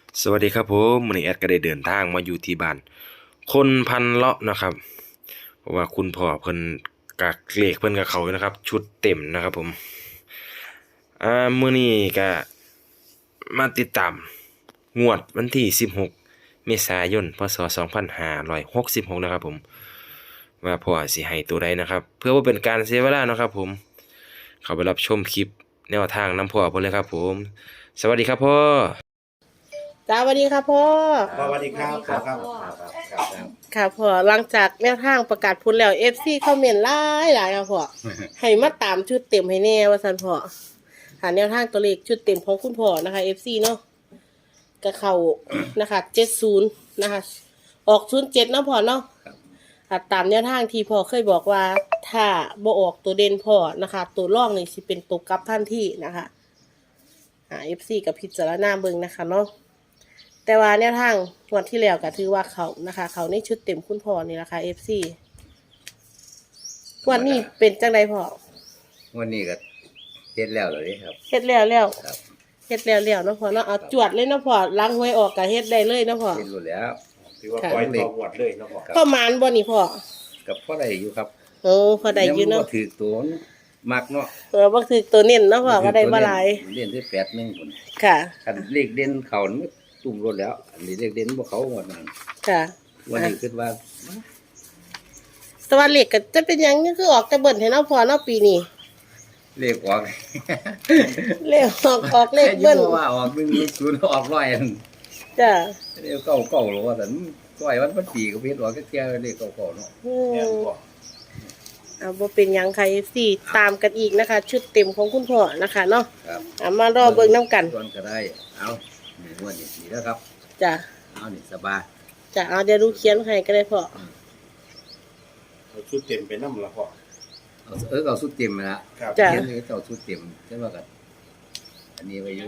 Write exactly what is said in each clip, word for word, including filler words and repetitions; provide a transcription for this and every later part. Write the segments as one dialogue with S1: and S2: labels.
S1: สวัสดีครับผมวันนี้แอดก็ได้เดินทางมาอยู่ที่บ้านคนพันเลาะนะครับเพราะว่าคุณพ่อเพิ่นกักเลขเพิ่นกับเขาอยู่นะครับชุดเต็มนะครับผมอ่ามื้อนี้ก็มาติดตามงวดวันที่สิบหกเมษายนพศสองพันห้าร้อยหกสิบหกนะครับผมว่าพ่อสิให้ตัวใดนะครับเพื่อว่าเป็นการเสียเวลานะครับผมเข้าไปรับชมคลิปแนวทางนำพ่อเพิ่นเลยครับผมสวัสดีครับพ่อ
S2: จ้าสวัสดีค่ะพ่อ
S3: สวัสดีครับครับครับครับครับ
S2: ค่ะพ่อหลังจากแนวทางประกาศผลแล้ว เอฟ ซี คอมเมนต์หลายหลายค่ะพ่อ ให้มาตามชุดเต็มให้แน่ว่าซั่นพ่อหาแนวทางตัวเลขชุดเต็มของคุณพ่อนะคะ เอฟ ซี เนาะก็เข้านะคะเจ็ดสิบนะคะออกศูนย์เจ็ดเนาะพ่อเนาะค่ะตามแนวทางที่พ่อเคยบอกว่าถ้าบ่ออกตัวเด่นพ่อนะคะตัวรองนี่สิเป็นตัวกลับทันทีนะคะอ่า เอฟ ซี กับพิจารณาเบิ่งนะคะเนาะแต่ว่าแนวทางวันที่แล้วก็ถือว่าเขานะคะ เขาในชุดเต็มคุณพ่อนี่แหละค่ะ เอฟ ซี วันนี้เป็นจังไดพ่อ
S3: วันนี้ก็เฮ็ดแล้วเลยครับ
S2: เฮ็ดแล้วแล้ว
S3: ครับ
S2: เฮ็ดแล้วแล้วเนาะพ่อเนาะเอาจวดเลยเนาะพ่อล้างหวยออกก็เฮ็ดได้เลยเนาะพ่อ
S3: เฮ็ดรู้แล้ว
S4: ถือว่าปล่อยต่อหวดเลยเนาะพ่อ
S2: พ่อมานบ่นี่พ่อ
S3: กับพ่อได้อยู่ครับ
S2: โอ้พอได้อยู่เนาะ
S3: ถือตัวมักเนาะ
S2: เออบ่ถือตัวเน้นเนาะพ่อก็ได้บ่หลาย
S3: เล่นที่แปดหนึ่งคน
S2: ค่ะ
S3: คันเลขเด่นเขามันตุ่มรถแล้ว อันนี้เลขเด่นบ่เขาหมดนั่น
S2: ค่ะ
S3: วันนี้คิดว่า
S2: แต่ว่าเลขก็จะเป็นหยังนี่คือออกแต่เบิ่นให้เนาะพ่อเนาะปีนี้
S3: เลขออก
S2: เลขออกออกเลขเบิ่น
S3: แค่ว่าออกหนึ่งศูนย์ออกร้อยอัน
S2: จ้ะ
S3: เลขเก้าเก้าหรอว่าแต่ร้อยวันพันปีก็เฮ็ดออกแค่เลขเก้าเก้าเนาะ
S2: อื
S4: แม่น
S2: ม
S4: พ่อ
S2: เอาบ่เป็นหยังค่ะ เอฟ ซี ตามกันอีกนะคะ ชุดเต็มของคุณพ่อนะคะเนาะ
S3: ครับ
S2: เอามารอเบิ่งน้ำกัน
S3: ส่วนก็ได้ เอานี่งวดนี้ดีแล้วครับ
S2: จ้ะ
S3: เอานี่สบาย
S2: จ้ะเอาเดี๋ยวดูเขียนให้ก็ได้พ่อ
S4: เอาชุดเต็มไปน้ำละพ่อ
S3: เอาเออเอาสุดเต็มมาละ
S4: ครับ
S2: จ้ะ
S3: เขียนเลยเอาสุดเต็มใช่ไหมกันอันนี้ไว้อยู่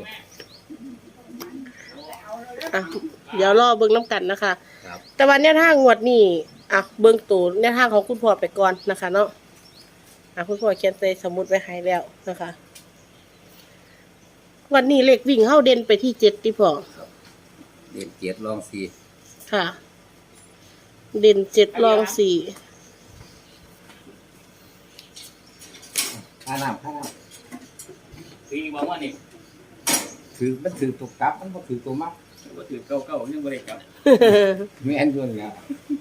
S2: อ่ะเดี๋ยวรอเบิ่งน้ำกันนะคะ
S3: ครับ
S2: แต่วันแนวทางงวดนี้อ่ะเบิ่งตูแนวทางของคุณพ่อไปก่อนนะคะเนาะอ่ะคุณพ่อเขียนใส่สมุดไว้ให้แล้วนะคะ วันนี้เลขวิ่งเข้าเด่นไปที่เจ็ดที่พ่อ
S3: เรียนเกียรติลองสี
S2: ค่ะ เด่นเจ็ดรองสี่
S3: ข้าน้ำข้าน้
S5: คือบอกว่านี่
S3: ำถือมันถือตัวกลับมันก็ถือตัวมัก
S5: ก็ถือเก้าเก้ายังไม่ได้กลับ
S3: ไม่แอนด้วยนะ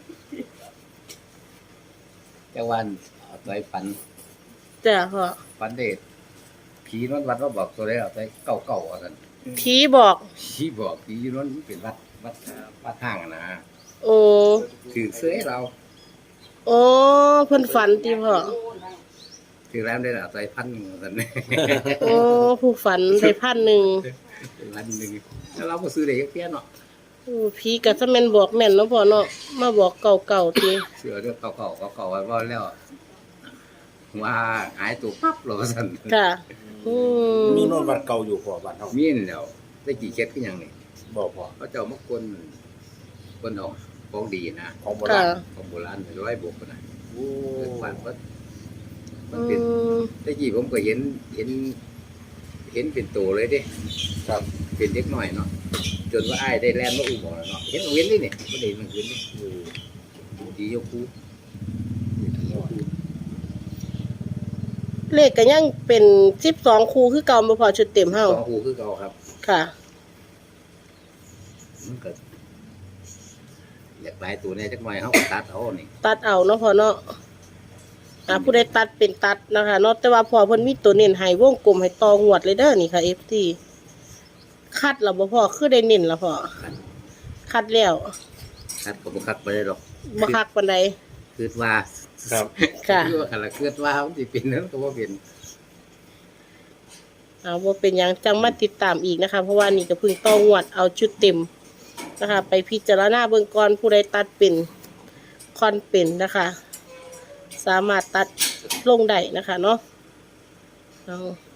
S3: แต่วันเอาใจฝัน
S2: จ้ะพ่อ
S3: ฝันเด็ดผีนวดวัดว่าบอกตัวได้เอาใจเก่าเก่าๆกัน
S2: ผีบอก
S3: ผีบอกผีนวดมันเป็นวัดวัดวัดทางอะนะ
S2: โอ้
S3: ถือเสื้อให้เรา
S2: โอ้เพิ่นฝันติพ่อ
S3: ถือแล้วได้เอาใจพันหนึ่งกัน
S2: โอ้ผู้ฝันได้พันหนึ่ง
S3: พันหนึ่งแล้วเราก็ซื้อได้เยอะเนาะ
S2: โอ้ผีก็จะแม่นบอกแม่นเนาะพ่อเนาะมาบอกเก่าๆติ
S3: เสือเรื่องเก่าๆเก่าๆไว้ว่าแล้วว่าหายตัวปั๊บเราสั่น
S2: ค่ะอืม
S4: มีโน่นวัดเก่าอยู่พ่อบ้านเฮา
S3: มีนแล้วได้กี่เคสขึ้นยังนี่
S4: บอกพ่อ
S3: เขาเจ้ามากคนคนเอาของดีนะ
S4: ของโบ
S2: ค่ะ
S4: ราณ
S3: ของโบราณร้อยบวกกันนะ
S4: โอ้
S3: บ้านก็มัน
S2: อื
S3: เป็น
S2: ม
S3: ได้กี่ผมก็เห็นเห็น เห็นเป็นตัวเลยเด้
S4: ครับ
S3: เป็นเล็กหน่อยเนาะจนว่าไอ้ายได้แลนมาอุ้มหมอแล้วเนาะเห็นเอาเว้นเลยเนี่ยไม่ได้มันขึ้นนี่ดียกคูดียกคู
S2: เลขก็ยังเป็นสิบสองคู่คือเก่าบ่พอชุดเต็มเฮา
S3: สองคูคือเก่าครับ
S2: ค่ะ
S3: มันก็อยากได้ตัวเนี่ยจักหน่อยเขาก็ตัดเอานี่
S2: ตัดเอาเนาะพ่อเนาะอ่าผู้ใดตัดเป็นตัดนะคะเนาะแต่ว่าพอเพิ่นมีตัวเน้นให้วงกลมให้ตองวดเลยเด้อนี่ค่ะ เอฟ ซี คัดแล้วบ่พอคือได้เน้นแล้วพ่อคัดแล้ว
S3: ตัดก็บ่คัดไปได้หรอก
S2: บ่คักปานใด
S3: คือว่า
S4: ครับ
S2: ค่ะ
S3: คือว่าคันละคือว่ามันสิเป็นนั้นก็บ่เป็น
S2: เอาว่าเป็นหยังจังมาติดตามอีกนะคะ เพราะว่านี่ก็เพิ่งต้องงวดเอาชุดเต็มนะคะ ไปพิจารณาเบื้องก่อนผู้ใดตัดเป็นคอนเป็นนะคะ สามารถตัดลงได้นะคะเนาะเอา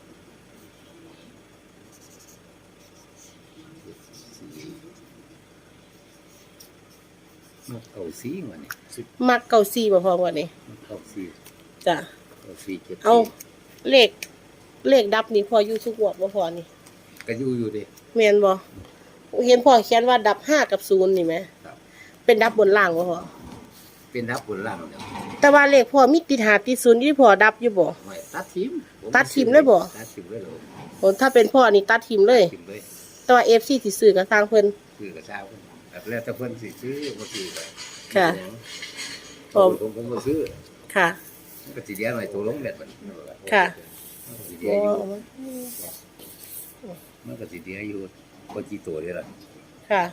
S3: มันเก่าสีมันนี่
S2: มักเก่าซี่บ่พอวันนี้
S3: มันเก่าสี
S2: จ้ะ
S3: เก่าสีเจ็ด
S2: เอา
S3: สี
S2: เลขเลขดับนี่พออยู่ทุกงวดบ่พอนี่
S3: ก็อยู่อยู่ดิ
S2: แม่นบ่เห็นพ่อเขียนว่าดับห้ากับศูนย์นี่ไหม
S3: ครับ
S2: เป็นดับบนล่างบ่พ่อ
S3: เป็นทับบนล่างเดี๋ยว
S2: แต่ว่าเลขพ่อมีติดหาติดศูนย์ที่พ่อดับอยู่บ่
S3: ไม่ตัดทิม
S2: ตัดทิมเลยบ่
S3: ตัดทิมเลยเหรอ
S2: โอ้ถ้าเป็นพ่อนี่ตัดทิมเลย
S3: ทิมเลย
S2: แต่ว่า เอฟ ซี ที่ซื้อก็สร้างเพิ่น
S3: ซื้อกระเช้าแบบแล้วแต่เพิ่นสิซื้อบ่ซื้อก็
S2: ค่ะ
S3: ผมผมผมบ่ซื้อ
S2: ค่ะ
S3: มันก็สิเดียวหน่อยตัวลงแบบมัน
S2: ค่ะ
S3: มันก็สิเดียว
S2: โอ้
S3: อยู่มันก็สิเดียวอยู่บ่กี่ตัวเด้ล่ะ
S2: ค่ะ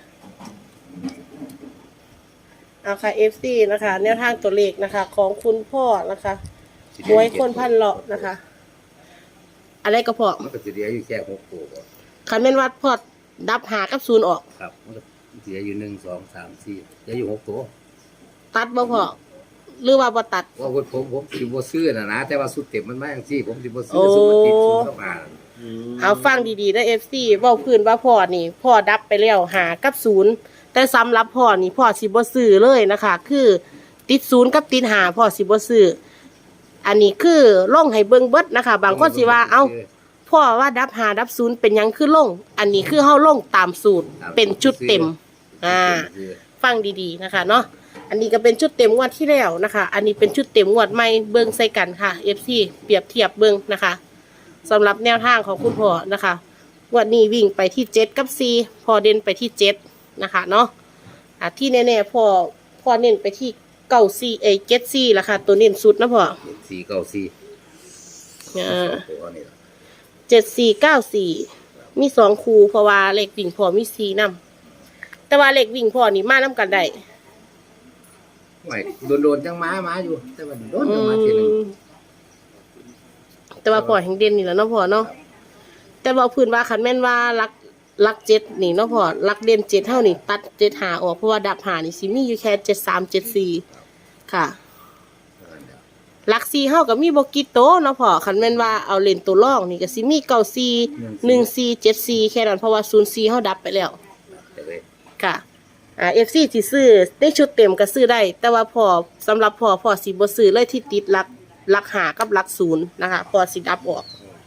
S2: เอาค่ะ เอฟ ซี นะคะ แนวทางตัวเลขนะคะ ของคุณพ่อนะคะหวยคนพันเลาะนะคะ อะไรก็พอ
S3: มันก็สิเดียวอยู่แค่หกตัวบ่
S2: คันแม่นว่าพ่อดับหากับศูนย์ออก
S3: ครับมันก็สิเดียวอยู่หนึ่ง สอง สาม สี่เดียวอยู่หกตัว
S2: ตัดบ่พอหรือว่าบ่ตัด
S3: ว่าผมผมผมสิบ่ซื้อน่ะนะแต่ว่าสุดเต็มมันมาจังซี่ผมสิบ่ซื้
S2: โอ้
S3: อสุดมันติดศูนย์เข้ามา
S2: เอาฟังดีๆนะ เอฟ ซี เว้าพื้นว่าพ่อนี่ พ่อดับไปแล้วหากับศูนย์แต่สำหรับพ่อนี่พ่อสิบ่ซื้อเลยนะคะ คือติดศูนย์กับติดหาพ่อสิบ่ซื้ออันนี้คือล่องให้เบิ่งเบิดนะคะ บางคนสิว่าเอ้าพ่อว่าดับหาดับศูนย์เป็นหยังคือล่งอันนี้คือเฮาล่งตามสูตรเป็นชุดเต็ม อ่า ฟังดีๆนะคะเนาะอันนี้ก็เป็นชุดเต็มงวดที่แล้วนะคะ อันนี้เป็นชุดเต็มงวดใหม่เบิ่งใส่กันค่ะ เอฟ ซี เปรียบเทียบเบิ่งนะคะสำหรับแนวทางของคุณพ่อนะคะงวดนี้วิ่งไปที่เจ็ดกับสี่พอเด่นไปที่เจ็ดนะคะเนาะอ่ะที่แน่ๆพ่อพ่อเน้นไปที่เก้าสี่เอเจ็ดสี่ละค่ะ ตัวเน้นสุดนะพ่อ
S3: สี่เก้าสี่
S2: อ่า
S3: ตัวนี่ล่ะ
S2: เจ็ดสี่เก้าสี่มีสองคูเพราะว่าเลขวิ่งพ่อมีสี่นำแต่ว่าเลขวิ่งพ่อนี่มานํกันได้
S3: ไม่โดนๆจังมามาอยู่ แต่ว่าโดน
S2: อื
S3: จังมาทีหนึง
S2: มแต่ว่าพ่อแห่งเด่นนี่แหละเนาะพ่อเนาะแต่บอกพื้นว่าคันแม่นว่ารักรักเจ็ดนี่เนาะพ่อรักเด่นเจ็ดเท่านี่ตัดเจ็ดหาออกเพราะว่าดับหานี่สิมีอยู่แค่เจ็ดสามเจ็ดสี่ค่ะรักสี่เฮากับมีบกิโตเนาะพ่อคันแม่นว่าเอาเล่นตัวร่องนี่ก็สิมีเก้าสี่หนึ่งสี่เจ็ดสี่แค่นั้นเพราะว่าศูนย์สี่เฮาดับไปแล้ว
S3: แต่เลย
S2: ค่ะอ่าเอฟซีที่ซื้อได้ชุดเต็มก็ซื้อได้ แต่ว่าพอสำหรับพอพอสิบ่ซื้อเลยที่ติดหลักหลักหากับหลักศูนย์นะคะพอสิดับออก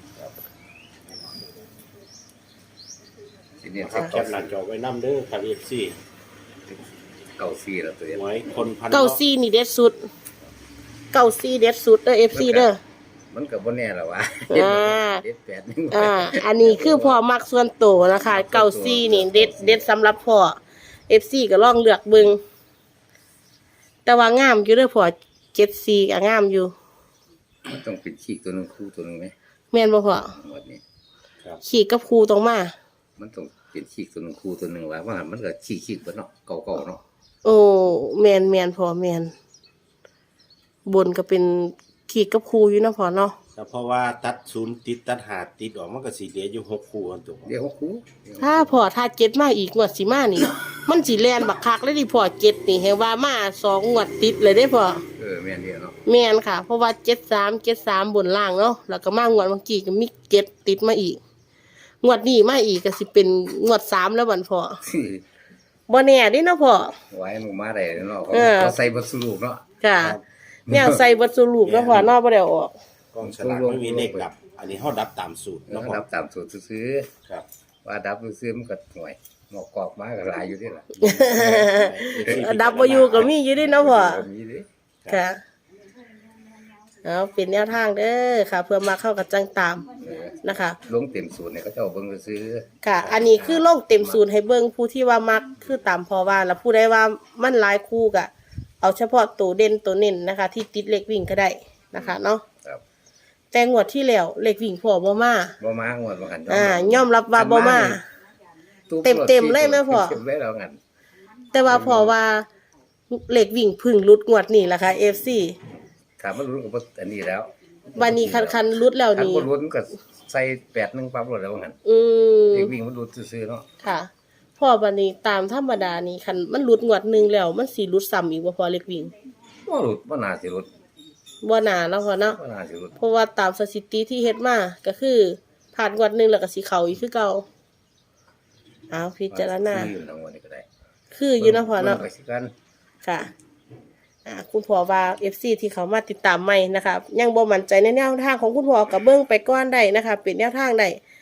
S3: สิเนี่ย
S4: ครับ
S3: เก้า
S4: แคปหน้าจอไว้นำเด้อครับ เอฟ ซี
S3: เก้าสี่แล้วตัวเนี้
S4: หวยคนพัน
S2: เก้าซีนี่เด็ดสุดเก้าซีเด็ดสุดเด้อเอฟซีเด้อ
S3: มันก็บ่แน่ล่ะวะ
S2: อ่า
S3: เด็ดแปดนึง
S2: อ่าอันนี้คือพอมักส่วนโตวนะคะเก้าซีนี่เด็ดเด็ดสำหรับพอเอฟซีก็ลองเลือกเบิ่งแต่ว่างามอยู่เด้อพอเจ็ดซีก็งามอยู่
S3: มันต้องเป็นขีกตัวหนึงคู่ตัวหนึงไหม
S2: แม่นบ่พอ
S3: หมดนี้
S2: ขี่กับครูตรงมา
S3: มันต้องเป็นขีกตัวหนึงคู่ตัวหนึงว่าว่ามันก็ขีกขีกเบิดเนาะเก่าๆเนาะ
S2: โอ้แมนแมนพอแมนบนก็เป็นขี่กับครูอยู่นะพอเนาะ
S4: แต่เพราะว่าตัดศูนย์ติดตัดหาติดออกมันก็สิเหลืออยู่หกคู่กันตัว
S3: เดี๋ยวคู่
S2: ถ้าพอถ้าเจ็ดมาอีกงวดสิมานี่ มันสิแลนบักคักเลยดิพอเจ็ดนี่เห็นว่ามาสองงวดติดเลยได้พอ
S3: เออแม่นเดียวเนาะ
S2: แมนค่ะ เพราะว่าเจ็ดสามเจ็ดสามบนล่างเนาะแล้วก็มางวดเมื่อกี้ก็มีเจ็ดติดมาอีก งวดนี้มาอีกก็สิเป็นงวดสามแล้วบันพอบ่แน่เดิเนาะพอ
S3: ไว้หมู่มาได้เนาะเขา
S2: เออ
S3: เขาใส่บทสรุปเนาะ
S2: จ้ะแนวใส่บัตรสรุปเนาะพอนอกบ่ได้เอาออก
S4: กองฉลากไม่มีเลขดับ อันนี้เฮาดับตามสูตร
S3: แล้
S4: เนาะ
S3: ว
S4: พ่อ
S3: ดับตามสูตรซื้อ
S4: ครับ
S3: ๆว่าดับซื้อๆมันก็ห่วยหมอกกอกมาก็หลายอยู่เด้ล่ะ
S2: ดับบ่อยู่ก็มีอยู่เดิเนาะพ่อ
S3: มีเด้
S2: ค่ะเอาเป็นแนวทางเด้อค่ะ เพื่อมาเข้ากับจังตาม
S3: เออ
S2: นะคะ
S3: ลงเต็มสูตรเนี่ยเขาเจ้าเบิ่งซื้อ
S2: ค่ะ อันนี้คือลงเต็มศูนย์ให้เบิ่งผู้ที่ว่ามักคือตามพอว่าแล้วผู้ใดว่ามันหลายคู่ก็เอาเฉพาะตัวเด่นตัวเน้นนะคะ ที่ติดเลขวิ่งก็ได้นะคะเนาะ
S3: ครับ
S2: แต่งวดที่แล้วเลขวิ่งพอบ่มา
S3: บ่มางวดว่ากัน
S2: อ่ายอมรับว่าบ่มา เต็มๆเลยแม่พ่อ
S3: เต็มๆเลยแล้วกัน
S2: แต่ว่าพอว่าเลขวิ่งพึ่งรุดงวดนี่ล่ะค่ะ เอฟ ซี
S3: ถามมันรู้กับอันนี้แล้ว
S2: วันนี้คันคันรุดแล้ว
S3: ถ้า
S2: นี่
S3: บ่รู้มันก็ใส่แปดหนึงปั๊บรถแล้วว่างั้น
S2: อืม
S3: เด็กวิ่งมันรู้ซื่อๆเนาะ
S2: ค่ะพ่อบันนี้ตามธรรมดานี่คันมันรุดงวดหนึงแล้วมันสิรุดซ้ำอีกบ่พอเลขวิ่ง
S3: บ่รู้บ่น่าสิรู้
S2: บ่น่าเนาะพ่อเนาะ
S3: บ่น่าสิรู้
S2: เพราะว่าตามสถิติที่เฮ็ดมาก็คือผ่านงวดหนึงแล้วก็สิเข้าอีกคือเก่าเอาพิจารณา
S3: ซื้อทั้งวันนี้ก็ได้
S2: คืออยู่เนาะพ่อเนาะ
S3: บิ่งไปสิกัน
S2: ค่ะอ่าคุณพ่อว่า เอฟ ซี ที่เขามาติดตามใหม่นะคะยังบ่มั่นใจในแนวทางของคุณพ่อก็เบิ่งไปก่อนได้นะคะเป็นแนวทางได้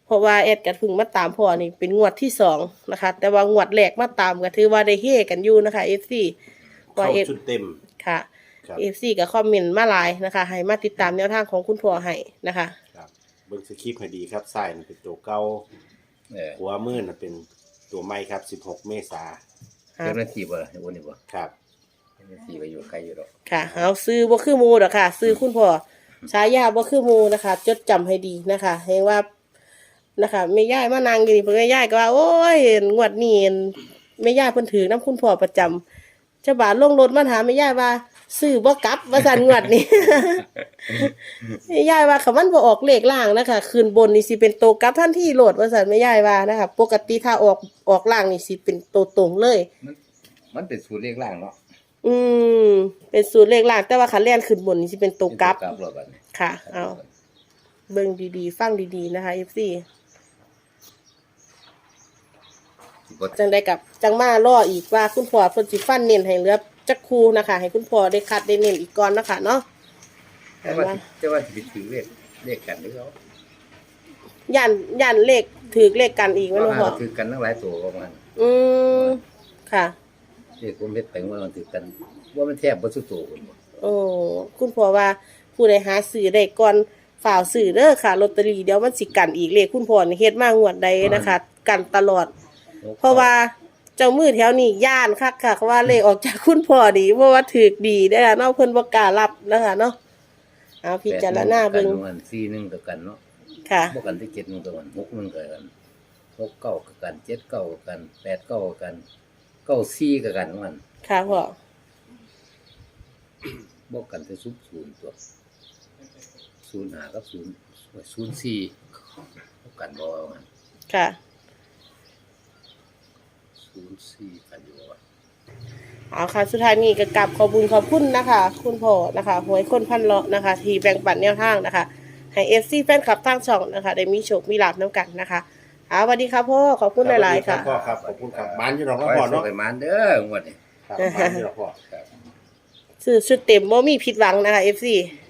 S2: เพราะว่าแอดก็เพิ่งมาตามพ่อนี่เป็นงวดที่สองนะคะ แต่ว่างวดแรกมาตามก็ถือว่าได้เฮกันอยู่นะคะ เอฟ ซี ว่า
S4: เข้า
S2: เอฟ
S4: ชุดเต็ม
S2: ค่ะ
S4: ครับ
S2: เอฟ ซี ก็คอมเมนต์มาหลายนะคะ ให้มาติดตามแนวทางของคุณพ่อให้นะคะ
S4: ครับเบิ่งสคริปต์ให้ดีครับซ้ายน่ะเป็นตัวเก่า
S3: เออ
S4: ขวามือน่ะเป็นตัวใหม่ครับสิบหกเมษา
S3: เจ้าหน้าที่บ่ล่ะไอ้วันนี้บ่
S4: ครับ
S3: เจ้าหน้าที่ก็อยู่ไกลอยู่ดอก
S2: ค่ะเอาซื้อบ่คือหมูดอกค่ะ ซื้อคุณพ่อฉายาบ่คือหมูนะคะ จดจำให้ดีนะคะเห็นว่านะคะแม่ย่ายมานางอยู่นี่เพิ่นแม่ย่ายก็ว่าโอ้ยงวดนี้แม่ย่ายเพิ่นถือน้ำคุณพ่อประจำเจ้าบ่าวลงรถมาถามแม่ย่ายว่าซื้อบ่กลับว่าซั่นงวดนี้ แม่ย่ายว่าคันมันบ่ออกเลขล่างนะคะขึ้นบนนี่สิเป็นโตวกลับทันทีโลดว่าซั่นแม่ย่ายว่านะคะปกติถ้าออกออกล่างนี่สิเป็นโตวตรงเลย
S3: มันมันเป็นสูตรเลขล่างเนาะ
S2: อืมเป็นสูตรเลขล่างแต่ว่าคันแล่นขึ้นบนนี่สิเป็นตัวกลับ
S3: เป็นตัวกลับรถบัดนี้
S2: ค่ะ เอาเบิ่งดีๆ ฟังดีๆ นะคะ เอฟ ซี
S3: บ่
S2: จังได้กับจังมาล่ออีกว่าคุณพ่อเพิ่นสิฟันเน้นให้เหลือจักคูนะคะ ให้คุณพ่อได้คัดได้เน้นอีกก่อนนะคะเนาะ
S3: แต่ว่าสิแต่ว่าสิไปถือเลขเลขกันหรือเขา
S2: ย่านย่านเลขถือเลขกันอีกแม่นบ่พ่อ
S3: ว่าถือกันทั้งหลายตัวประมาณ
S2: อืมค่ะ
S3: เลขผมเฮ็ดไปว่ามันถือกันว่ามันแทบบ่สุดโตพุ่นบ่
S2: โอ้คุณพ่อว่าผู้ใดหาซื้อได้ก่อนฝ่าวซื้อเด้อค่ะลอตเตอรี่เดี๋ยวมันสิกันอีกเลขคุณพ่อนี่เฮ็ดมางวดใดนะคะ กันตลอด เพราะว่าเจ้ามือแถวนี้ย่านคักค่ะว่าเลขออกจากคุณพ่อดีเพราะว่าถือดีได้อเนาะเพิ่นบ่กล้ารับนะคะเนาะเอาพิจารณาเบิ่ง
S3: แปดหนึ่กันสี่หนึ่งกับกันเนาะ
S2: ค่ะ
S3: บ่กันที่เจ็ดหนึ่งกับกันหกหนึ่งกับกันหกเก้ากับกันเจ็ดเก้ากับกันแปดเก้ากับกันเก้าสี่กับกันมัน
S2: ค่ะพ่อ
S3: บ่กันที่ศูนย์ศูนย์ตัวศูนย์ห้ากับศูนย์ศูนย์สี่บ่กันบ่ว่ามัน
S2: ค่ะ
S3: ศูนย์สี่กันอยู่ว่า
S2: เอาค่ะสุดท้ายนี้ก็กลับขอบคุญขอบคุณนะคะ คุณพ่อนะคะหวยคนพันเลาะนะคะ ที่แบ่งปันแนวทางนะคะ ให้ เอฟ ซี แฟนคลับทางช่องนะคะ ได้มีโชคมีลาภนํกันนะคะเอาสวัสดีค่ะพ่อขอบคุณหลายๆค่ะ
S4: พ่อครับขอบคุณครับบ้านอยู่ดอก
S3: ขอ
S4: เนาะ
S3: ให้
S4: พ่อ
S3: สุ
S4: เนาะ
S3: ขให้มันเด้องวดนี้
S4: ครับบ้านอยู่ดอกพ่อ
S2: ซื้อชุดเต็มบ่มีผิดหวังนะคะ เอฟ ซี